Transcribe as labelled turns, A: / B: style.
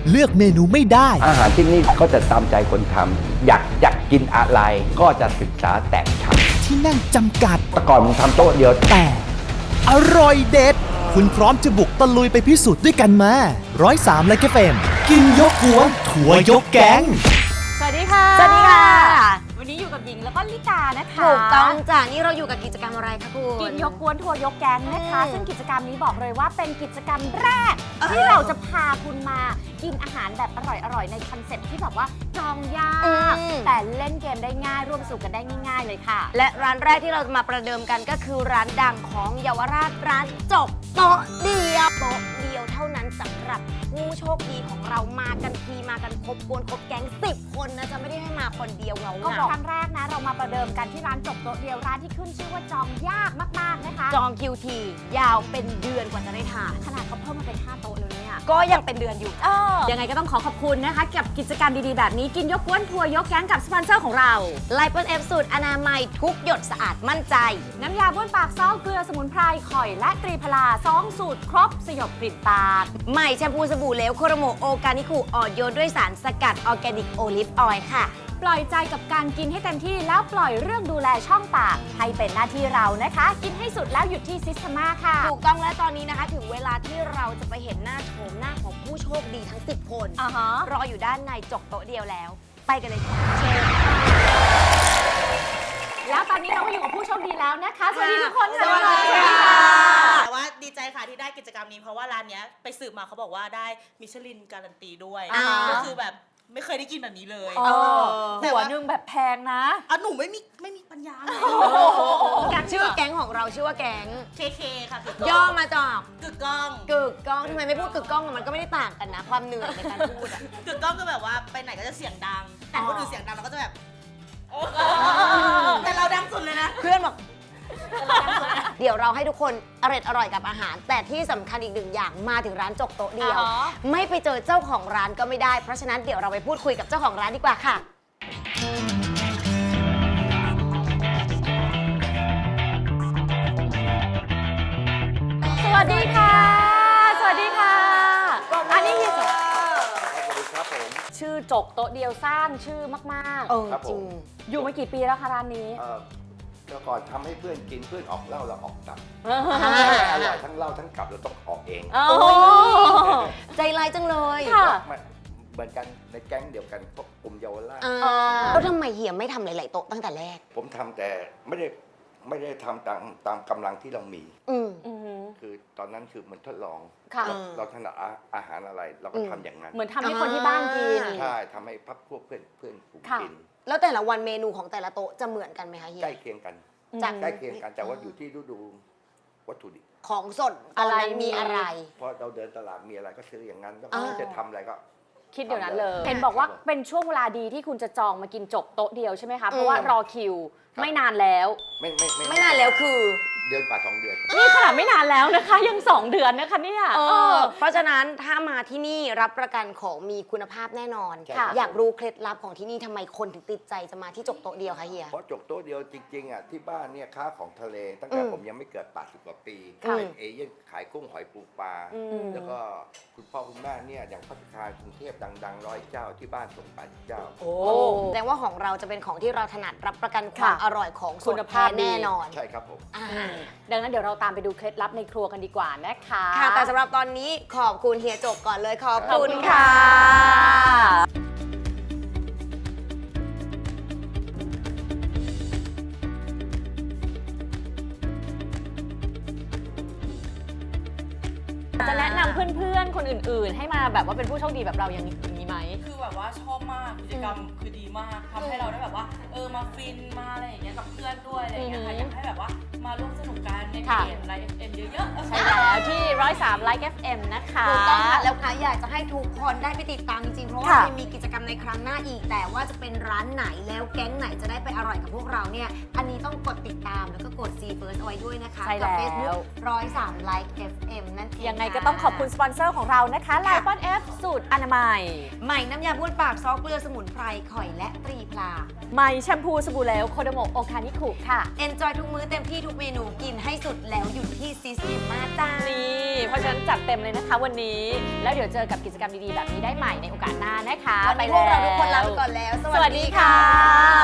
A: เลือกเมนูไม่ได้
B: อาหารที่นี่ก็จะตามใจคนทำอยากกินอะไรก็จะศึกษาแตกฉาน
A: ที่นั่งจำกัด
B: แต่ก่อนผมทำโต๊ะเดียว
A: แต่อร่อยเด็ดคุณพร้อมจะบุกตะลุยไปพิสูจน์ด้วยกันมา103ไลค์เฟมกินยกกวนทัวร์ยกแก๊ง
C: สวัสดีค่ะ
D: สวัสดีค่ะ
C: วันนี้อยู่กับหญิงแล้วก็ลิตานะคะ
D: ถูกต้องจ้ะนี่เราอยู่กับกิจกรรมอะไรคะคุณ
C: กินยกกวนทัวร์ยกแก๊งนะคะซึ่งกิจกรรมนี้บอกเลยว่าเป็นกิจกรรมแรกที่เราจะพาคุณมากินอาหารแบบอร่อยๆในคอนเซ็ปต์ที่แบบว่าจองยากแต่เล่นเกมได้ง่ายร่วมสนุกกันได้ง่ายๆเลยค่ะ
D: และร้านแรกที่เราจะมาประเดิมกันก็คือร้านดังของเยาวราชร้านจบโต๊ะเดียวโต๊ะเดียวเท่านั้นสำหรับผู้โชคดีของเรามากันทีมากันครบกวนครบแก๊ง10 คนนะจะไม่ได้ให้มาคนเดียวเรา
C: ก็บอกครั้งแรกนะเรามาประเดิมกันที่ร้านจบโต๊ะเดียวร้านที่ขึ้นชื่อว่าจองยากมากๆนะคะ
D: จองคิวทียาวเป็นเดือนกว่าจะได้ทาน
C: ขนาดเขาเพิ่มมาเป็น5โต๊ะเลยเนี่ย
D: ก็ยังเป็นเดือนอยู่
C: ยังไงก็ต้องขอบคุณนะคะกับกิจกรรมดีๆแบบนี้กินยกกวนทัวร์ยกแก๊งกับสปอนเซอร์ของเรา
D: ไลปอนเอฟสูตรอนามัยทุกหยดสะอาดมั่นใจ
C: น้ำยาบ้วนปากซอสเกลือสมุนไพรข่อยและตรีพลา2 สูตรครบสยบกลิ่นปาก
D: ใหม่แชมพูสบู่เหลวโคโรโมโอกานิคุอ่อนโยนด้วยสารสกัดออร์แกนิกโอลิฟออยล์ค่ะ
C: ปล่อยใจกับการกินให้เต็มที่แล้วปล่อยเรื่องดูแลช่องปากให้เป็นหน้าที่เรานะคะกินให้สุดแล้วหยุดที่ซิสเทมาค่ะ
D: ถูกต้องและตอนนี้นะคะถึงเวลาที่เราจะไปเห็นหน้าโฉมหน้าของผู้โชคดีทั้ง10 คนรออยู่ด้านในจกโต๊ะเดียวแล้วไปกันเลยค่ะ
C: แล้วตอนนี้เราก็อยู่กับผู้โชคดีแล้วนะคะสวัสดีทุกคนค่ะ
D: สวัสดีค่ะ
E: แต่ว่าดีใจค่ะที่ได้กิจกรรมนี้เพราะว่าร้านนี้ไปสืบมาเขาบอกว่าได้มิชลินการันตีด้วยก็คือแบบไม่เคยได้กินแบบนี้เลย
C: หัวนึงแบบแพงนะ
E: หนูไม่มีปัญญาเลย
D: ชื่อแก๊งของเราชื่อว่าแก๊ง
E: KK ค่ะ
D: ย่อมาจาก
E: กึกก้อง
D: ทำไมไม่พูดกึกก้องมันก็ไม่ได้ต่างกันนะความเหนื่อยในการพูด
E: กึกก้องก็แบบว่าไปไหนก็จะเสียงดังแต่คนอื่นเสียงดังเราก็จะแบบแต่เราดังสุดเลยนะ
D: เพื่อนบอกเดี๋ยวเราให้ทุกคนอร่อยกับอาหารแต่ที่สำคัญอีกหนึ่งอย่างมาถึงร้านจกโต๊ะเดียวไม่ไปเจอเจ้าของร้านก็ไม่ได้เพราะฉะนั้นเดี๋ยวเราไปพูดคุยกับเจ้าของร้านดีกว่าค่ะ
C: สวัสดีค่ะสวัสดีค่ะอันนี้คือ
B: สวัสดีครับผม
C: ชื่อจกโต๊ะเดียวสร้างชื่อมาก
D: ๆจริง
C: อยู่มากี่ปีแล้วคะร้านนี้
B: เมื่อก่อนทำให้เพื่อนกินเพื่อนออกเหล้าเราออกตับอร่อยทั้งเหล้าทั้งกลับเราต้องออกเอง
D: ใจร้ายจังเลย
B: เหมือนกันในแก๊งเดียวกันพวกกลุ่มเยาวราช
D: แล้วทำไมเฮียไม่ทำหลายๆโต๊ะตั้งแต่แรก
B: ผมทำแต่ไม่ได้ทำตามกำลังที่เรามีคือตอนนั้นคือมันทดลองเราถนัดอาหารอะไรเราก็ทำอย่างนั้น
C: เหมือนทำให้คนที่บ้านกิน
B: ใช่ทำให้พักพวกเพื่อนฝูงกิน
D: แล้วแต่ละวันเมนูของแต่ละโต๊ะจะเหมือนกันไหมคะเฮีย
B: ใกล้เคียงกันใกล้เคียงกันแต่ว่าอยู่ที่ฤดูวัตถุดิบ
D: ของสดตอนนั้นมีอะไร
B: เพราะเราเดินตลาดมีอะไรก็ซื้ออย่างนั้นแล้วจะทำอะไรก็
C: คิดเดี๋ยวนั้นเลยเห็นบอกว่าเป็นช่วงเวลาดีที่คุณจะจองมากินจบโต๊ะเดียวใช่ไหมคะเพราะว่ารอคิวไม่นานแล้ว
D: ไม่นานแล้วคือ
B: เดือนกว่า2 เดือน
C: นี่ขนาดไม่นานแล้วนะคะยัง2 เดือนนะคะเนี่ย
D: เพราะฉะนั้นถ้ามาที่นี่รับประกันของมีคุณภาพแน่นอนอยากรู้เคล็ดลับของที่นี่ทำไมคนถึงติดใจจะมาที่จกโต๊ะเดียวคะเฮีย
B: เพราะจกโต๊ะเดียวจริงๆที่บ้านเนี่ยค้าของทะเลตั้งแต่ผมยังไม่เกิด80 กว่าปีเป็นเอเย่นขายกุ้งหอยปูปลาแล้วก็คุณพ่อคุณแม่เนี่ยอย่างพัฒนาคารกรุงเทพดังๆ100 เจ้าที่บ้านส่ง80 เจ้า
D: แสดงว่าของเราจะเป็นของที่เราถนัดรับประกันความอร่อยของคุณภาพแน่นอน
B: ใช่ครับผม
C: ดังนั้นเดี๋ยวเราตามไปดูเคล็ดลับในครัวกันดีกว่านะคะ
D: ค่ะแต่สำหรับตอนนี้ขอบคุณเฮียจกก่อนเลยขอบคุณค่ะ
C: จะแนะนำเพื่อนๆคนอื่นๆให้มาแบบว่าเป็นผู้โชคดีแบบเราอย่างนี้ไหม
E: คือแบบว่าชอบมากกิจกรรมคือดีมากทำให้เราได้แบบว่ามาฟินมาอะไรอย่างเงี้ยกับเพื่อนด้วยอะไรอย่างเงี้ยค่ะอยากให้แบบว่ามาร่วมสนุกกันในเพจไลฟ์ FM เยอะๆ
C: ใช่แล้วที่103 Like FM นะคะ
D: ถูกต้องค่ะแล้วค่ะอยากจะให้ทุกคนได้ไปติดตามจริงๆเพราะว่าจะมีกิจกรรมในครั้งหน้าอีกแต่ว่าจะเป็นร้านไหนแล้วแก๊งไหนจะได้ไปอร่อยกับพวกเราเนี่ยอันนี้ต้องกดติดตามแล้วก็กด See First เอาไว้ด้วยนะคะ
C: กับ
D: Facebook 103 Like FM นั่นเอง
C: ยังไงก็ต้องขอบคุณสปอนเซอร์ของเรานะคะไลปอนเอฟสูตรอนามัย
D: ใหม่น้ำยาบ้วนปากซอสเกลือสมุนไพรข่อยและตรีพลา
C: ใหม่แชมพูสบู่เหลวโคโดโมโอกานิคุค่ะ
D: Enjoy ทุกมื้อเต็มที่ทุกเมนูกินให้สุดแล้วหยุดที่ซิสเทมาจ้า
C: นี่เพราะฉะนั้นจัดเต็มเลยนะคะวันนี้แล้วเดี๋ยวเจอกับกิจกรรมดีๆแบบนี้ได้ใหม่ในโอกาสหน้านะคะ
D: วันนี้พวกเราทุกคนลาไปก่อนแล้ว
C: สวัสดีค่ะ